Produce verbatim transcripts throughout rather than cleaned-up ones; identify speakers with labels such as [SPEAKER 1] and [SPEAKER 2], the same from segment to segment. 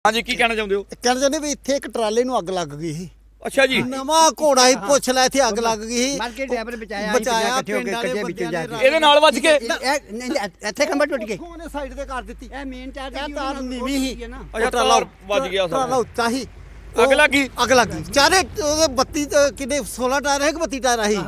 [SPEAKER 1] हाँ जी की कहना चाहते हो?
[SPEAKER 2] कहना चाहते भी इत्थे एक ट्राले नूं अग लग गई ਸੀ।
[SPEAKER 1] अच्छा जी
[SPEAKER 2] ਨਵਾਂ ਘੋੜਾ ਹੀ ਪੁੱਛ ਲੈ ਇੱਥੇ ਅੱਗ ਲੱਗ ਗਈ ਸੀ।
[SPEAKER 3] ਮਾਰ ਕੇ ਡਰਾਈਵਰ ਬਚਾਇਆ
[SPEAKER 2] ਬਚਾਇਆ
[SPEAKER 3] ਪਿੰਡ ਵਾਲੇ
[SPEAKER 2] ਪਿੰਡ
[SPEAKER 3] ਵਿੱਚੋਂ ਜਾ ਕੇ
[SPEAKER 1] ਇਹਦੇ ਨਾਲ ਵੱਜ ਕੇ
[SPEAKER 3] ਇੱਥੇ ਖੰਭਾ ਟੁੱਟ ਗਿਆ
[SPEAKER 2] ਉਹਨੇ ਸਾਈਡ ਤੇ ਕਰ ਦਿੱਤੀ।
[SPEAKER 3] ਇਹ ਮੇਨ ਚਾਰ
[SPEAKER 2] ਇਹ ਤਾਰ ਨੀਵੀਂ ਸੀ।
[SPEAKER 1] ਅੱਛਾ ਤਾਰ ਵੱਜ ਗਿਆ
[SPEAKER 2] ਟਰਾਲਾ ਉੱਚਾ ਸੀ।
[SPEAKER 1] ਅੱਗ ਲੱਗ ਗਈ
[SPEAKER 2] ਅੱਗ ਲੱਗ ਗਈ ਚਾਰੇ ਉਹਦੇ ਬੱਤੀ ਤੇ ਕਿੰਨੇ ਸੋਲਾਂ ਟਾਇਰ ਹੈ ਕਿ ਬੱਤੀ ਟਾਇਰ ਸੀ।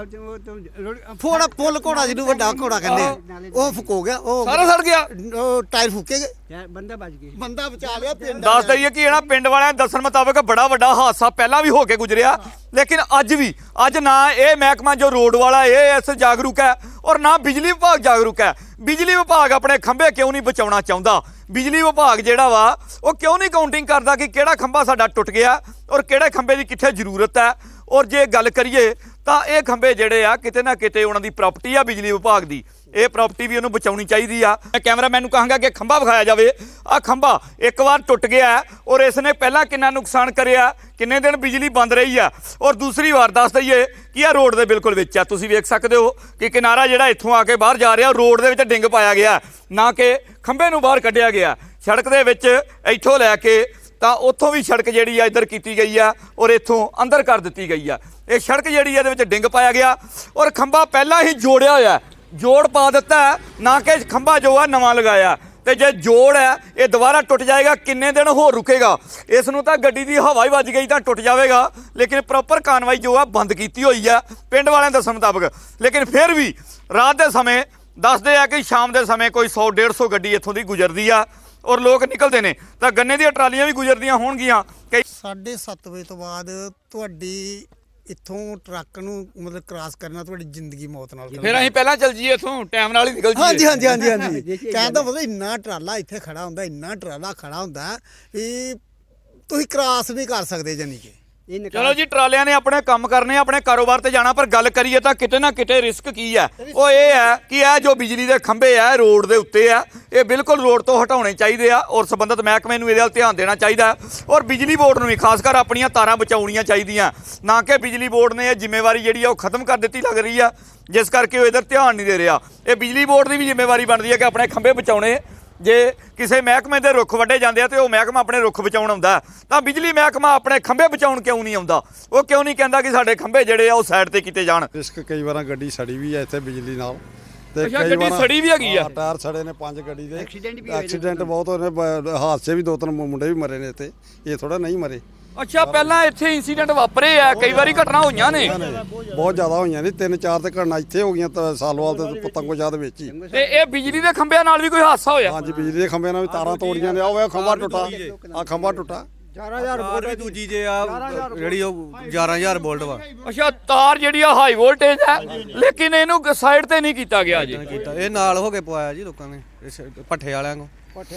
[SPEAKER 2] ਫੋੜਾ ਫੁੱਲ ਘੋੜਾ ਜਿਹਨੂੰ ਵੱਡਾ ਘੋੜਾ ਕਹਿੰਦੇ ਉਹ ਫੁਕੋ ਗਿਆ। ਉਹ
[SPEAKER 1] ਸਾਰਾ ਸੜ ਗਿਆ।
[SPEAKER 2] ਉਹ ਟਾਇਰ ਫੁਕੇ ਗਏ।
[SPEAKER 3] ਬੰਦਾ ਬਚ ਗਿਆ
[SPEAKER 2] ਬੰਦਾ ਬਚਾ ਲਿਆ ਪਿੰਡ
[SPEAKER 1] ਦੱਸ ਦਈਏ ਕਿ ਇਹਨਾਂ ਪਿੰਡ ਵਾਲਿਆਂ ਦੇ ਦੱਸਣ ਮੁਤਾਬਕ ਬੜਾ ਵੱਡਾ ਹਾਦਸਾ ਪਹਿਲਾਂ ਵੀ ਹੋ ਕੇ ਗੁਜ਼ਰਿਆ, ਲੇਕਿਨ ਅੱਜ ਵੀ ਅੱਜ ਨਾ ਇਹ ਮਹਿਕਮਾ ਜੋ ਰੋਡ ਵਾਲਾ ਇਹ ਇਸ ਜਾਗਰੂਕ ਹੈ ਔਰ ਨਾ ਬਿਜਲੀ ਵਿਭਾਗ ਜਾਗਰੂਕ ਹੈ। ਬਿਜਲੀ ਵਿਭਾਗ ਆਪਣੇ ਖੰਭੇ ਕਿਉਂ ਨਹੀਂ ਬਚਾਉਣਾ ਚਾਹੁੰਦਾ? ਬਿਜਲੀ ਵਿਭਾਗ ਜਿਹੜਾ ਵਾ ਉਹ ਕਿਉਂ ਨਹੀਂ ਕਾਊਂਟਿੰਗ ਕਰਦਾ ਕਿ ਕਿਹੜਾ ਖੰਭਾ ਸਾਡਾ ਟੁੱਟ ਗਿਆ ਔਰ ਕਿਹੜੇ ਖੰਭੇ ਦੀ ਕਿੱਥੇ ਜ਼ਰੂਰਤ ਹੈ? ਔਰ ਜੇ ਗੱਲ ਕਰੀਏ ਤਾਂ ਇਹ ਖੰਭੇ ਜਿਹੜੇ ਆ ਕਿਤੇ ਨਾ ਕਿਤੇ ਉਹਨਾਂ ਦੀ ਪ੍ਰਾਪਰਟੀ ਆ ਬਿਜਲੀ ਵਿਭਾਗ ਦੀ, ਇਹ ਪ੍ਰਾਪਰਟੀ ਵੀ ਉਹਨੂੰ ਬਚਾਉਣੀ ਚਾਹੀਦੀ ਆ। ਮੈਂ ਕੈਮਰਾਮੈਨ ਨੂੰ ਕਹਾਂਗਾ ਕਿ ਖੰਭਾ ਵਿਖਾਇਆ ਜਾਵੇ। ਆ ਖੰਭਾ ਇੱਕ ਵਾਰ ਟੁੱਟ ਗਿਆ ਔਰ ਇਸ ਨੇ ਪਹਿਲਾਂ ਕਿੰਨਾ ਨੁਕਸਾਨ ਕਰਿਆ, ਕਿੰਨੇ ਦਿਨ ਬਿਜਲੀ ਬੰਦ ਰਹੀ ਆ। ਔਰ ਦੂਸਰੀ ਵਾਰ ਦੱਸ ਦਈਏ ਕਿ ਇਹ ਰੋਡ ਦੇ ਬਿਲਕੁਲ ਵਿੱਚ ਆ। ਤੁਸੀਂ ਵੇਖ ਸਕਦੇ ਹੋ ਕਿ ਕਿਨਾਰਾ ਜਿਹੜਾ ਇੱਥੋਂ ਆ ਕੇ ਬਾਹਰ ਜਾ ਰਿਹਾ ਰੋਡ ਦੇ ਵਿੱਚ ਡਿੰਗ ਪਾਇਆ ਗਿਆ, ਨਾ ਕਿ ਖੰਭੇ ਨੂੰ ਬਾਹਰ ਕੱਢਿਆ ਗਿਆ। ਸੜਕ ਦੇ ਵਿੱਚ ਇੱਥੋਂ ਲੈ ਕੇ ਤਾਂ ਉੱਥੋਂ ਵੀ ਸੜਕ ਜਿਹੜੀ ਆ ਇੱਧਰ ਕੀਤੀ ਗਈ ਆ ਔਰ ਇੱਥੋਂ ਅੰਦਰ ਕਰ ਦਿੱਤੀ ਗਈ ਆ। ਇਹ ਸੜਕ ਜਿਹੜੀ ਇਹਦੇ ਵਿੱਚ ਡਿੰਗ ਪਾਇਆ ਗਿਆ ਔਰ ਖੰਭਾ ਪਹਿਲਾਂ ਹੀ ਜੋੜਿਆ ਹੋਇਆ, ਜੋੜ ਪਾ ਦਿੱਤਾ, ਨਾ ਕਿ ਖੰਭਾ ਜੋ ਆ ਨਵਾਂ ਲਗਾਇਆ। ਤੇ ਜੇ ਜੋੜ ਹੈ ਇਹ ਦੁਬਾਰਾ ਟੁੱਟ ਜਾਏਗਾ, ਕਿੰਨੇ ਦਿਨ ਹੋਰ ਰੁਕੇਗਾ? ਇਸ ਨੂੰ ਤਾਂ ਗੱਡੀ ਦੀ ਹਵਾ ਹੀ ਵੱਜ ਗਈ ਤਾਂ ਟੁੱਟ ਜਾਵੇਗਾ, ਲੇਕਿਨ ਪ੍ਰੋਪਰ ਕਾਰਵਾਈ ਜੋ ਆ ਬੰਦ ਕੀਤੀ ਹੋਈ ਆ ਪਿੰਡ ਵਾਲਿਆਂ ਦੇ ਦੱਸਣ ਮੁਤਾਬਕ। ਲੇਕਿਨ ਫਿਰ ਵੀ ਰਾਤ ਦੇ ਸਮੇਂ ਦੱਸਦੇ ਆ ਕਿ ਸ਼ਾਮ ਦੇ ਸਮੇਂ ਕੋਈ ਸੌ ਡੇਢ ਸੌ ਗੱਡੀ ਇੱਥੋਂ ਦੀ ਗੁਜ਼ਰਦੀ ਆ ਔਰ ਲੋਕ ਨਿਕਲਦੇ ਨੇ ਤਾਂ ਗੰਨੇ ਦੀਆਂ ਟਰਾਲੀਆਂ ਵੀ ਗੁਜ਼ਰਦੀਆਂ ਹੋਣਗੀਆਂ। ਕਈ
[SPEAKER 2] ਸਾਢੇ ਸੱਤ ਵਜੇ ਤੋਂ ਬਾਅਦ ਤੁਹਾਡੀ ਇੱਥੋਂ ਟਰੱਕ ਨੂੰ ਮਤਲਬ ਕ੍ਰਾਸ ਕਰਨਾ ਤੁਹਾਡੀ ਜ਼ਿੰਦਗੀ ਮੌਤ ਨਾਲ
[SPEAKER 1] ਫਿਰ ਅਸੀਂ ਪਹਿਲਾਂ ਚੱਲ ਜੀਏ ਇੱਥੋਂ, ਟਾਈਮ ਨਾਲ ਹੀ ਨਿਕਲ ਜੀਏ।
[SPEAKER 2] ਹਾਂਜੀ ਹਾਂਜੀ ਹਾਂਜੀ ਹਾਂਜੀ ਕਹਿੰਦਾ ਮਤਲਬ ਇੰਨਾ ਟਰਾਲਾ ਇੱਥੇ ਖੜਾ ਹੁੰਦਾ, ਇੰਨਾ ਟਰਾਲਾ ਖੜਾ ਹੁੰਦਾ ਵੀ ਤੁਸੀਂ ਕ੍ਰਾਸ ਨਹੀਂ ਕਰ ਸਕਦੇ ਜਾਨੀ ਕਿ।
[SPEAKER 1] ਚਲੋ ਜੀ ਟਰਾਲਿਆਂ ਨੇ ਆਪਣੇ ਕੰਮ ਕਰਨੇ, ਆਪਣੇ ਕਾਰੋਬਾਰ ਤੇ ਜਾਣਾ, ਪਰ ਗੱਲ ਕਰੀਏ ਤਾਂ ਕਿਤੇ ਨਾ ਕਿਤੇ ਰਿਸਕ ਕੀ ਹੈ? ਉਹ ਇਹ ਹੈ ਕਿ ਇਹ ਜੋ ਬਿਜਲੀ ਦੇ ਖੰਭੇ ਆ ਰੋਡ ਦੇ ਉੱਤੇ ਆ, ਇਹ ਬਿਲਕੁਲ ਰੋਡ ਤੋਂ ਹਟਾਉਣੇ ਚਾਹੀਦੇ ਆ ਔਰ ਸੰਬੰਧਿਤ ਮਹਿਕਮੇ ਨੂੰ ਇਹਦੇ ਵੱਲ ਧਿਆਨ ਦੇਣਾ ਚਾਹੀਦਾ ਔਰ ਬਿਜਲੀ ਬੋਰਡ ਨੂੰ ਵੀ ਖਾਸ ਕਰ ਆਪਣੀਆਂ ਤਾਰਾਂ ਬਚਾਉਣੀਆਂ ਚਾਹੀਦੀਆਂ, ਨਾ ਕਿ ਬਿਜਲੀ ਬੋਰਡ ਨੇ ਇਹ ਜ਼ਿੰਮੇਵਾਰੀ ਜਿਹੜੀ ਆ ਉਹ ਖਤਮ ਕਰ ਦਿੱਤੀ ਲੱਗ ਰਹੀ ਆ, ਜਿਸ ਕਰਕੇ ਉਹ ਇਧਰ ਧਿਆਨ ਨਹੀਂ ਦੇ ਰਿਹਾ। ਇਹ ਬਿਜਲੀ ਬੋਰਡ ਦੀ ਵੀ ਜ਼ਿੰਮੇਵਾਰੀ ਬਣਦੀ ਹੈ ਕਿ ਆਪਣੇ ਖੰਭੇ ਬਚਾਉਣੇ। ਜੇ ਕਿਸੇ ਮਹਿਕਮੇ ਦੇ ਰੁੱਖ ਵੱਢੇ ਜਾਂਦੇ ਆ ਤੇ ਉਹ ਮਹਿਕਮਾ ਆਪਣੇ ਰੁੱਖ ਬਚਾਉਣ ਆਉਂਦਾ, ਤਾਂ ਬਿਜਲੀ ਮਹਿਕਮਾ ਆਪਣੇ ਖੰਭੇ ਬਚਾਉਣ ਕਿਉਂ ਨਹੀਂ ਆਉਂਦਾ? ਉਹ ਕਿਉਂ ਨਹੀਂ ਕਹਿੰਦਾ ਕਿ ਸਾਡੇ ਖੰਭੇ ਜਿਹੜੇ ਆ ਉਹ ਸਾਈਡ ਤੇ ਕੀਤੇ ਜਾਣ?
[SPEAKER 4] ਰਿਸਕ ਕਈ ਵਾਰਾਂ ਗੱਡੀ ਸੜੀ ਵੀ ਹੈ ਇੱਥੇ ਬਿਜਲੀ ਨਾਲ
[SPEAKER 1] ਤੇ ਗੱਡੀ ਸੜੀ ਵੀ ਹੈਗੀ ਆ,
[SPEAKER 4] ਟਾਇਰ ਸੜੇ ਨੇ ਪੰਜ ਗੱਡੀ ਦੇ।
[SPEAKER 3] ਐਕਸੀਡੈਂਟ ਵੀ
[SPEAKER 4] ਐਕਸੀਡੈਂਟ ਬਹੁਤ ਹੋਏ ਨੇ, ਹਾਦਸੇ ਵੀ ਦੋ ਤਿੰਨ ਮੁੰਡੇ ਵੀ ਮਰੇ ਨੇ ਇੱਥੇ, ਇਹ ਥੋੜਾ ਨਹੀਂ ਮਰੇ।
[SPEAKER 1] ਅੱਛਾ ਪਹਿਲਾਂ ਇੱਥੇ ਇਨਸੀਡੈਂਟ ਵਾਪਰੇ ਆ, ਕਈ ਵਾਰੀ ਘਟਨਾ ਹੋਈਆਂ ਨੇ,
[SPEAKER 4] ਬਹੁਤ ਜ਼ਿਆਦਾ ਹੋਈਆਂ ਨੇ, ਤਿੰਨ ਚਾਰ ਤੇ ਘਟਨਾ ਇੱਥੇ ਹੋ ਗਈਆਂ ਤਾਂ ਸਾਲੋਵਾਲ ਤੇ ਪਤੰਗੋ ਜਾਦ ਵਿੱਚ ਹੀ।
[SPEAKER 1] ਤੇ ਇਹ ਬਿਜਲੀ ਦੇ ਖੰਭਿਆਂ ਨਾਲ ਵੀ ਕੋਈ ਹਾਦਸਾ ਹੋਇਆ?
[SPEAKER 4] ਹਾਂਜੀ ਬਿਜਲੀ ਦੇ ਖੰਭਿਆਂ ਨਾਲ ਵੀ ਤਾਰਾਂ ਤੋੜੀਆਂ ਨੇ। ਆਹ ਵੇ ਖੰਭਾ ਟੁੱਟਾ, ਆ ਖੰਭਾ ਟੁੱਟਾ।
[SPEAKER 5] ਤਾਰ ਵੀ ਦੂਜੀ ਜੇ ਆ ਜਿਹੜੀ ਉਹ ਗਿਆਰਾਂ ਹਜ਼ਾਰ ਵੋਲਟ ਵਾ
[SPEAKER 1] ਅੱਛਾ ਤਾਰ ਜਿਹੜੀ ਆ ਹਾਈ ਵੋਲਟੇਜ ਹੈ, ਲੇਕਿਨ ਇਹਨੂੰ ਸਾਈਡ ਤੇ ਨਹੀਂ ਕੀਤਾ ਗਿਆ ਜੀ।
[SPEAKER 5] ਕੀਤਾ ਇਹ ਨਾਲ ਹੋ ਕੇ ਪਵਾਇਆ ਜੀ ਲੋਕਾਂ ਨੇ, ਭੱਠੇ ਵਾਲਿਆਂ ਨੂੰ।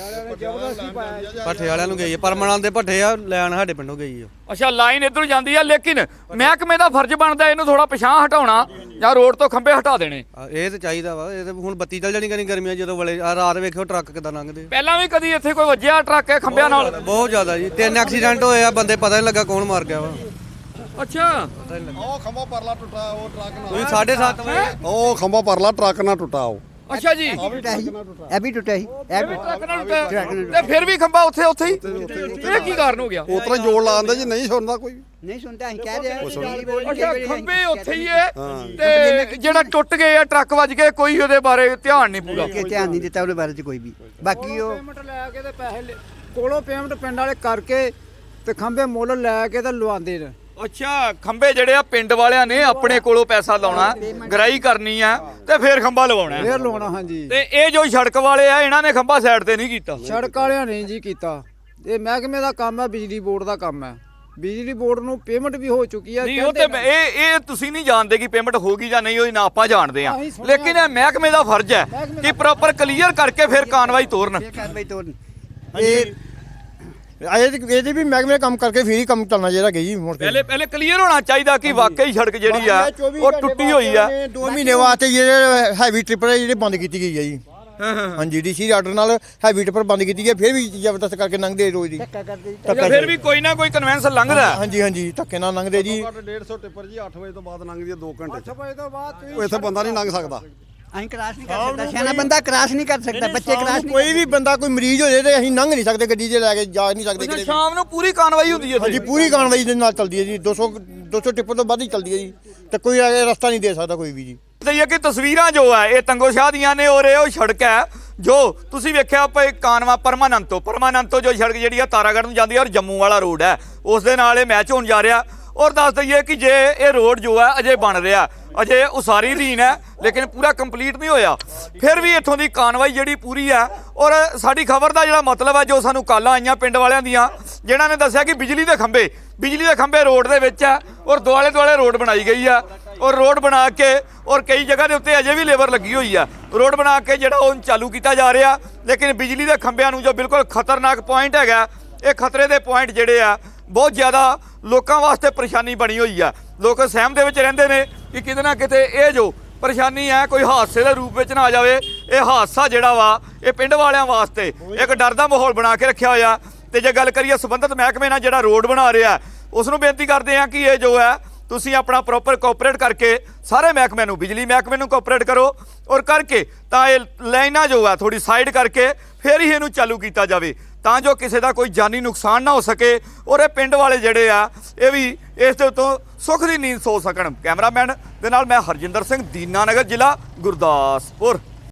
[SPEAKER 5] ਭੱਠੇ ਵਾਲਿਆਂ ਨੂੰ ਗਈ ਹੈ, ਪਰਮਨੈਂਟ ਦੇ ਭੱਠੇ ਆ, ਲੈਣ ਸਾਡੇ ਪਿੰਡੋਂ ਗਈ ਆ।
[SPEAKER 1] ਅੱਛਾ ਲਾਈਨ ਇੱਧਰੋਂ ਜਾਂਦੀ ਆ, ਲੇਕਿਨ ਮਹਿਕਮੇ ਦਾ ਫਰਜ਼ ਬਣਦਾ ਇਹਨੂੰ ਥੋੜਾ ਪਿਛਾਂਹ ਹਟਾਉਣਾ ਜਾਂ ਰੋਡ ਤੋਂ ਖੰਭੇ ਹਟਾ ਦੇਣੇ।
[SPEAKER 5] ਇਹ ਤਾਂ ਚਾਹੀਦਾ ਵਾ, ਇਹ ਤਾਂ ਹੁਣ ਬੱਤੀ ਚੱਲ ਜਾਣੀ ਕਰੀ ਗਰਮੀਆਂ ਜਦੋਂ ਵਲੇ ਆ ਰਾਤ ਵੇਖਿਓ ਟਰੱਕ ਕਿੱਦਾਂ ਲੰਘਦੇ।
[SPEAKER 1] ਪਹਿਲਾਂ ਵੀ ਕਦੀ ਇੱਥੇ ਕੋਈ ਵੱਜਿਆ ਟਰੱਕ ਹੈ ਖੰਭਿਆਂ ਨਾਲ?
[SPEAKER 5] ਬਹੁਤ ਜ਼ਿਆਦਾ ਜੀ, ਤਿੰਨ ਐਕਸੀਡੈਂਟ ਹੋਏ ਆ, ਬੰਦੇ ਪਤਾ ਨਹੀਂ ਲੱਗਾ ਕੌਣ ਮਾਰ ਗਿਆ ਵਾ।
[SPEAKER 1] ਅੱਛਾ
[SPEAKER 4] ਉਹ ਖੰਭਾ ਪਰਲਾ ਟੁੱਟਾ, ਉਹ ਟਰੱਕ ਨਾਲ।
[SPEAKER 5] ਤੁਸੀਂ ਸਾਢੇ ਸੱਤ ਵਜੇ
[SPEAKER 4] ਉਹ ਖੰਭਾ ਪਰਲਾ ਟਰੱਕ ਨਾਲ ਟੁੱਟਾ। ਉਹ
[SPEAKER 1] ਅੱਛਾ ਜੀ
[SPEAKER 3] ਇਹ ਵੀ ਟੁੱਟਿਆ ਸੀ, ਇਹ ਵੀ ਟੁੱਟਿਆ ਸੀ।
[SPEAKER 1] ਟਰੱਕ ਨਾਲ ਟੁੱਟਿਆ ਤੇ ਫਿਰ ਵੀ ਖੰਭਾ ਉੱਥੇ ਉੱਥੇ ਹੀ, ਇਹ ਕੀ ਕਾਰਨ ਹੋ ਗਿਆ?
[SPEAKER 4] ਉਸ ਤਰ੍ਹਾਂ ਜੋੜ ਲਾਉਂਦਾ ਜੀ, ਨਹੀਂ ਸੁਣਦਾ ਕੋਈ।
[SPEAKER 3] ਨਹੀਂ ਸੁਣਦਾ, ਅਸੀਂ ਕਹਿ ਰਹੇ ਹਾਂ
[SPEAKER 1] ਅੱਛਾ ਖੰਭੇ ਉੱਥੇ ਹੀ ਹੈ ਤੇ ਜਿਹੜਾ ਟੁੱਟ ਗਏ ਆ ਟਰੱਕ ਵੱਜ ਕੇ, ਕੋਈ ਉਹਦੇ ਬਾਰੇ ਧਿਆਨ ਨਹੀਂ ਪੂਰਾ
[SPEAKER 3] ਕਿ ਧਿਆਨ ਨਹੀਂ ਦਿੱਤਾ ਉਹਦੇ ਬਾਰੇ ਚ ਕੋਈ ਵੀ। ਬਾਕੀ ਉਹ
[SPEAKER 6] ਪੇਮੈਂਟ ਲੈ ਕੇ ਤੇ ਪੈਸੇ ਕੋਲੋਂ ਪੇਮੈਂਟ ਪਿੰਡ ਵਾਲੇ ਕਰਕੇ ਤੇ ਖੰਭੇ ਮੁੱਲ ਲੈ ਕੇ ਤੇ ਲਵਾਉਂਦੇ ਨੇ।
[SPEAKER 1] ਅੱਛਾ ਖੰਭੇ ਜਿਹੜੇ ਆ ਪਿੰਡ ਵਾਲਿਆਂ ਨੇ ਆਪਣੇ ਕੋਲੋਂ ਪੈਸਾ ਲਾਉਣਾ, ਗਰਾਈ ਕਰਨੀ ਆ ਤੇ ਫਿਰ ਖੰਭਾ ਲਵਾਉਣਾ।
[SPEAKER 6] ਫੇਰ ਲਵਾਉਣਾ ਹਾਂਜੀ।
[SPEAKER 1] ਤੇ ਇਹ ਜੋ ਸੜਕ ਵਾਲੇ ਆ ਇਹਨਾਂ ਨੇ ਖੰਭਾ ਸਾਈਡ ਤੇ ਨਹੀਂ ਕੀਤਾ।
[SPEAKER 6] ਸੜਕ ਵਾਲਿਆਂ ਨੇ ਜੀ ਕੀਤਾ, ਇਹ ਮਹਿਕਮੇ ਦਾ ਕੰਮ ਹੈ, ਬਿਜਲੀ ਬੋਰਡ ਦਾ ਕੰਮ ਹੈ। ਬਿਜਲੀ ਬੋਰਡ ਨੂੰ ਪੇਮੈਂਟ ਵੀ ਹੋ ਚੁੱਕੀ ਹੈ।
[SPEAKER 1] ਨਹੀਂ ਉਹ ਤੇ ਇਹ ਇਹ ਤੁਸੀਂ ਨਹੀਂ ਜਾਣਦੇ ਕਿ ਪੇਮੈਂਟ ਹੋਗੀ ਜਾਂ ਨਹੀਂ ਹੋਈ, ਨਾ ਆਪਾਂ ਜਾਣਦੇ ਆ, ਲੇਕਿਨ ਇਹ ਮਹਿਕਮੇ ਦਾ ਫਰਜ਼ ਹੈ ਕਿ ਪ੍ਰੋਪਰ ਕਲੀਅਰ ਕਰਕੇ ਫਿਰ ਕਾਰਵਾਈ ਤੋਰਨ।
[SPEAKER 3] ਕਾਰਵਾਈ ਤੋਂ
[SPEAKER 2] ਇਹ ਇਹਦੇ ਵੀ ਮਹਿਕਮੇ ਕੰਮ ਕਰਕੇ ਫਿਰ ਹੀ ਕੰਮ ਚੱਲਣਾ ਚਾਹੀਦਾ ਗਈ ਮੁੜ ਕੇ।
[SPEAKER 1] ਪਹਿਲੇ ਪਹਿਲੇ ਕਲੀਅਰ ਹੋਣਾ ਚਾਹੀਦਾ ਕਿ ਵਾਕਈ ਸੜਕ ਜਿਹੜੀ ਆ ਉਹ ਟੁੱਟੀ ਹੋਈ ਆ।
[SPEAKER 2] ਦੋ ਮਹੀਨੇ ਵਾਸਤੇ ਜਿਹੜੇ ਹੈਵੀ ਟ੍ਰਿਪਰ ਜਿਹੜੇ ਬੰਦ ਕੀਤੀ ਗਈ ਹੈ ਜੀ। ਹਾਂਜੀ ਡੀਸੀ ਆਰਡਰ ਨਾਲ ਹੈਵੀ ਟ੍ਰਿਪਰ ਬੰਦ ਕੀਤੀ ਗਈ, ਫਿਰ ਵੀ ਜ਼ਬਰਦਸਤ ਕਰਕੇ ਲੰਘਦੇ ਰੋਜ਼ ਦੀ।
[SPEAKER 1] ਫਿਰ ਵੀ ਕੋਈ ਨਾ ਕੋਈ ਕਨਵੈਂਸ ਲੰਘਦਾ।
[SPEAKER 2] ਹਾਂਜੀ ਹਾਂਜੀ ਧੱਕੇ ਨਾਲ ਲੰਘਦੇ ਜੀ।
[SPEAKER 4] ਡੇਢ ਸੌ ਟਿੱਪਰ ਜੀ ਅੱਠ ਵਜੇ ਤੋਂ ਬਾਅਦ ਲੰਘਦੀ ਹੈ, ਦੋ ਘੰਟੇ
[SPEAKER 6] ਅੱਠ ਵਜੇ ਤੋਂ ਬਾਅਦ
[SPEAKER 4] ਉਹ ਇੱਥੇ ਬੰਦਾ ਨਹੀਂ ਲੰਘ ਸਕਦਾ।
[SPEAKER 3] ਅਸੀਂ ਕ੍ਰਾਸ ਨਹੀਂ ਕਰ ਸਕਦਾ ਸਿਆਣਾ ਬੰਦਾ ਕ੍ਰਾਸ ਨਹੀਂ ਕਰ ਸਕਦਾ ਬੱਚੇ ਕ੍ਰਾਸ ਨਹੀਂ
[SPEAKER 7] ਕੋਈ ਵੀ ਬੰਦਾ ਕੋਈ ਮਰੀਜ਼ ਹੋ ਜਾਏ ਤੇ ਅਸੀਂ ਲੰਘ ਨਹੀਂ ਸਕਦੇ ਗੱਡੀ 'ਚ ਲੈ ਕੇ ਜਾ ਨਹੀਂ ਸਕਦੇ ਕਿਤੇ ਵੀ।
[SPEAKER 1] ਸ਼ਾਮ ਨੂੰ ਪੂਰੀ ਕਾਰਵਾਈ ਹੁੰਦੀ ਹੈ
[SPEAKER 7] ਹਾਂਜੀ ਪੂਰੀ ਕਾਰਵਾਈ ਦੇ ਨਾਲ ਚੱਲਦੀ ਹੈ ਜੀ ਦੋ ਸੌ ਦੋ ਸੌ ਟਿੱਪਰ ਤੋਂ ਵੱਧ ਹੀ ਚੱਲਦੀ ਹੈ ਜੀ ਤੇ ਕੋਈ ਇਹ ਰਸਤਾ ਨਹੀਂ ਦੇ ਸਕਦਾ ਕੋਈ ਵੀ ਜੀ।
[SPEAKER 1] ਤੇ ਇਹ ਕਿ ਤਸਵੀਰਾਂ ਜੋ ਹੈ ਇਹ ਤੰਗੋ ਸ਼ਾਹ ਦੀਆਂ ਨੇ ਔਰ ਇਹ ਉਹ ਸੜਕ ਹੈ ਜੋ ਤੁਸੀਂ ਵੇਖਿਆ ਪਏ ਕਾਨਵਾ ਪਰਮਾਨੰਤੋ ਪਰਮਾਨੰਤੋ ਜੋ ਸੜਕ ਜਿਹੜੀ ਆ ਤਾਰਾਗੜ੍ਹ ਨੂੰ ਜਾਂਦੀ ਹੈ ਔਰ ਜੰਮੂ ਵਾਲਾ ਰੋਡ ਹੈ ਉਸ ਦੇ ਨਾਲ ਇਹ ਮੈਚ ਹੋਣ ਜਾ ਰਿਹਾ। ਔਰ ਦੱਸ ਦਈਏ ਕਿ ਜੇ ਇਹ ਰੋਡ ਜੋ ਹੈ ਅਜੇ ਬਣ ਰਿਹਾ ਅਜੇ ਉਸਾਰੀ ਅਧੀਨ ਹੈ ਲੇਕਿਨ ਪੂਰਾ ਕੰਪਲੀਟ ਨਹੀਂ ਹੋਇਆ ਫਿਰ ਵੀ ਇੱਥੋਂ ਦੀ ਕਾਰਵਾਈ ਜਿਹੜੀ ਪੂਰੀ ਹੈ। ਔਰ ਸਾਡੀ ਖਬਰ ਦਾ ਜਿਹੜਾ ਮਤਲਬ ਹੈ ਜੋ ਸਾਨੂੰ ਕਾਲਾਂ ਆਈਆਂ ਪਿੰਡ ਵਾਲਿਆਂ ਦੀਆਂ ਜਿਨ੍ਹਾਂ ਨੇ ਦੱਸਿਆ ਕਿ ਬਿਜਲੀ ਦੇ ਖੰਭੇ ਬਿਜਲੀ ਦੇ ਖੰਭੇ ਰੋਡ ਦੇ ਵਿੱਚ ਹੈ ਔਰ ਦੁਆਲੇ ਦੁਆਲੇ ਰੋਡ ਬਣਾਈ ਗਈ ਹੈ ਔਰ ਰੋਡ ਬਣਾ ਕੇ ਔਰ ਕਈ ਜਗ੍ਹਾ ਦੇ ਉੱਤੇ ਅਜੇ ਵੀ ਲੇਬਰ ਲੱਗੀ ਹੋਈ ਆ ਰੋਡ ਬਣਾ ਕੇ ਜਿਹੜਾ ਉਹ ਚਾਲੂ ਕੀਤਾ ਜਾ ਰਿਹਾ ਲੇਕਿਨ ਬਿਜਲੀ ਦੇ ਖੰਭਿਆਂ ਨੂੰ ਜੋ ਬਿਲਕੁਲ ਖਤਰਨਾਕ ਪੁਆਇੰਟ ਹੈਗਾ ਇਹ ਖਤਰੇ ਦੇ ਪੁਆਇੰਟ ਜਿਹੜੇ ਆ ਬਹੁਤ ਜ਼ਿਆਦਾ ਲੋਕਾਂ ਵਾਸਤੇ ਪਰੇਸ਼ਾਨੀ ਬਣੀ ਹੋਈ ਆ। ਲੋਕ ਸਹਿਮ ਦੇ ਵਿੱਚ ਰਹਿੰਦੇ ਨੇ ਕਿ ਕਿਤੇ ਨਾ ਕਿਤੇ ਇਹ ਜੋ ਪਰੇਸ਼ਾਨੀ ਹੈ ਕੋਈ ਹਾਦਸੇ ਦੇ ਰੂਪ ਵਿੱਚ ਨਾ ਆ ਜਾਵੇ। ਇਹ ਹਾਦਸਾ ਜਿਹੜਾ ਵਾ ਇਹ ਪਿੰਡ ਵਾਲਿਆਂ ਵਾਸਤੇ ਇੱਕ ਡਰ ਦਾ ਮਾਹੌਲ ਬਣਾ ਕੇ ਰੱਖਿਆ ਹੋਇਆ। ਤੇ ਜੇ ਗੱਲ ਕਰੀਏ ਸੰਬੰਧਿਤ ਮਹਿਕਮੇ ਨਾਲ ਜਿਹੜਾ ਰੋਡ ਬਣਾ ਰਿਹਾ ਉਸ ਨੂੰ ਬੇਨਤੀ ਕਰਦੇ ਆ ਕਿ ਇਹ ਜੋ ਹੈ ਤੁਸੀਂ ਆਪਣਾ ਪ੍ਰੋਪਰ ਕੋਆਪਰੇਟ ਕਰਕੇ ਸਾਰੇ ਮਹਿਕਮੇ ਨੂੰ ਬਿਜਲੀ ਮਹਿਕਮੇ ਨੂੰ ਕੋਆਪਰੇਟ ਕਰੋ ਔਰ ਕਰਕੇ ਤਾਂ ਇਹ ਲਾਈਨਾਂ ਜੋ ਹੈ ਥੋੜੀ ਸਾਈਡ ਕਰਕੇ ਫਿਰ ਹੀ ਇਹਨੂੰ ਚਾਲੂ ਕੀਤਾ ਜਾਵੇ ਤਾਂ ਜੋ ਕਿਸੇ ਦਾ ਕੋਈ ਜਾਨੀ ਨੁਕਸਾਨ ਨਾ ਹੋ ਸਕੇ ਔਰ ਇਹ ਪਿੰਡ ਵਾਲੇ ਜਿਹੜੇ ਆ ਇਹ ਵੀ ਇਸ ਦੇ ਉੱਤੋਂ ਸੁੱਖ ਦੀ ਨੀਂਦ ਸੋ ਸਕਣ। ਕੈਮਰਾਮੈਨ ਦੇ ਨਾਲ ਮੈਂ ਹਰਜਿੰਦਰ ਸਿੰਘ, ਦੀਨਾਨਗਰ ਜ਼ਿਲ੍ਹਾ ਗੁਰਦਾਸਪੁਰ।